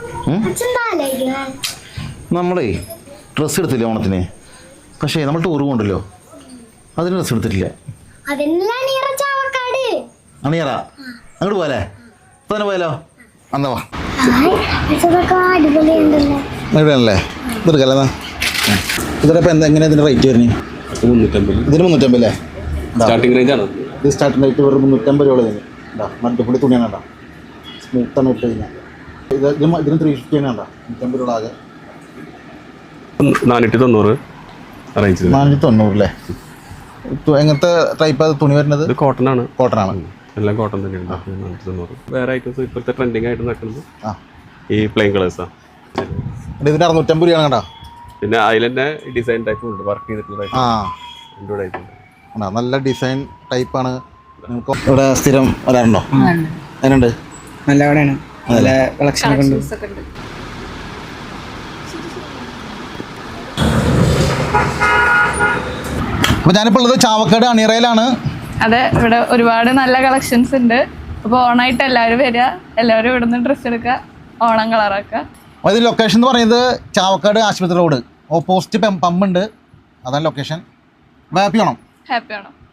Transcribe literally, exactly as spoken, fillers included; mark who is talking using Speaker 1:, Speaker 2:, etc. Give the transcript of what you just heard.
Speaker 1: നമ്മളേ ഡ്രസ്സ് എടുത്തില്ലേ ഓണത്തിന്? പക്ഷേ നമ്മൾ ടൂർ കൊണ്ടല്ലോ, അതിന് ഡ്രസ്സ് എടുത്തിട്ടില്ല. അണിയറ അങ്ങോട്ട് പോയാലേ? ഇപ്പൊ തന്നെ പോയാലോ? അന്നാ വാ. അടിപൊളിയാണല്ലേ? ഇതെടുക്കല്ലേ? ഇതിനിപ്പോൾ എന്താ എങ്ങനെയാണ് ഇതിൻ്റെ റേറ്റ് വരുന്നത്? മുന്നൂറ്റമ്പത്. ഇതിന് മുന്നൂറ്റമ്പത് അല്ലേ? സ്റ്റാർട്ടിംഗ് റേഞ്ച് ആണ് ഇത്. സ്റ്റാർട്ടിംഗ് റേറ്റ് വെറും മുന്നൂറ്റമ്പത് രൂപ തന്നെ. ഉണ്ടാ മട്ടുപൊടി തുണിയാണ് കേട്ടോ, സ്മൂത്താണ് ഇട്ട് കഴിഞ്ഞാൽ. ഇത് ഇതിന് ത്രീ ഫിഫ്റ്റി തന്നെ ഉണ്ടോ? നൂറ്റമ്പത് രൂപ ആകെ. നാനൂറ്റി തൊണ്ണൂറ് റേഞ്ച്. നാനൂറ്റി തൊണ്ണൂറ് അല്ലേ? എങ്ങനത്തെ ടൈപ്പ് തുണി വരുന്നത്? കോട്ടൺ ആണ്. കോട്ടൺ ആണ്, എല്ലാം കോട്ടൺ തന്നെയാണ്. നാനൂറ്റി തൊണ്ണൂറ്. വേറെ ഐറ്റംസ് ഇപ്പോഴത്തെ ട്രെൻഡിങ് ആയിട്ട് നടക്കുന്നത് ഈ പ്ലെയിൻ കളേഴ്സാണ്. ഇതിന് അറുന്നൂറ്റമ്പത് രൂപയാണ് കേട്ടോ. പിന്നെ അതിൽ തന്നെ ഡിസൈൻ ടൈപ്പ് ഉണ്ട്, വർക്ക് ചെയ്തിട്ടുള്ള. ആ ടൈപ്പ് ഉണ്ട്, നല്ല ഡിസൈൻ ടൈപ്പാണ്. ഇവിടെ സ്ഥിരം വരാറുണ്ടോ? അതിനുണ്ട്,
Speaker 2: നല്ല കടയാണ്, നല്ല കളക്ഷൻ ഒക്കെ ഉണ്ട്.
Speaker 1: അപ്പോൾ ഞാനിപ്പോൾ ഉള്ളത് ചാവക്കാട് അണിയറയിലാണ്.
Speaker 3: അതെ, ഇവിടെ ഒരുപാട് നല്ല കളക്ഷൻസ് ഉണ്ട്. അപ്പോൾ ഓണായിട്ട് എല്ലാവരും വരിക, എല്ലാവരും ഇവിടെ നിന്ന് ഡ്രസ്സ് എടുക്കുക, ഓണം കളറാക്കുക.
Speaker 1: അത് ലൊക്കേഷൻ എന്ന് പറയുന്നത് ചാവക്കാട് ആശുപത്രി റോഡ് ഓപ്പോസിറ്റ് പമ്പുണ്ട്, അതാണ് location. Happy Onam.
Speaker 3: Happy Onam.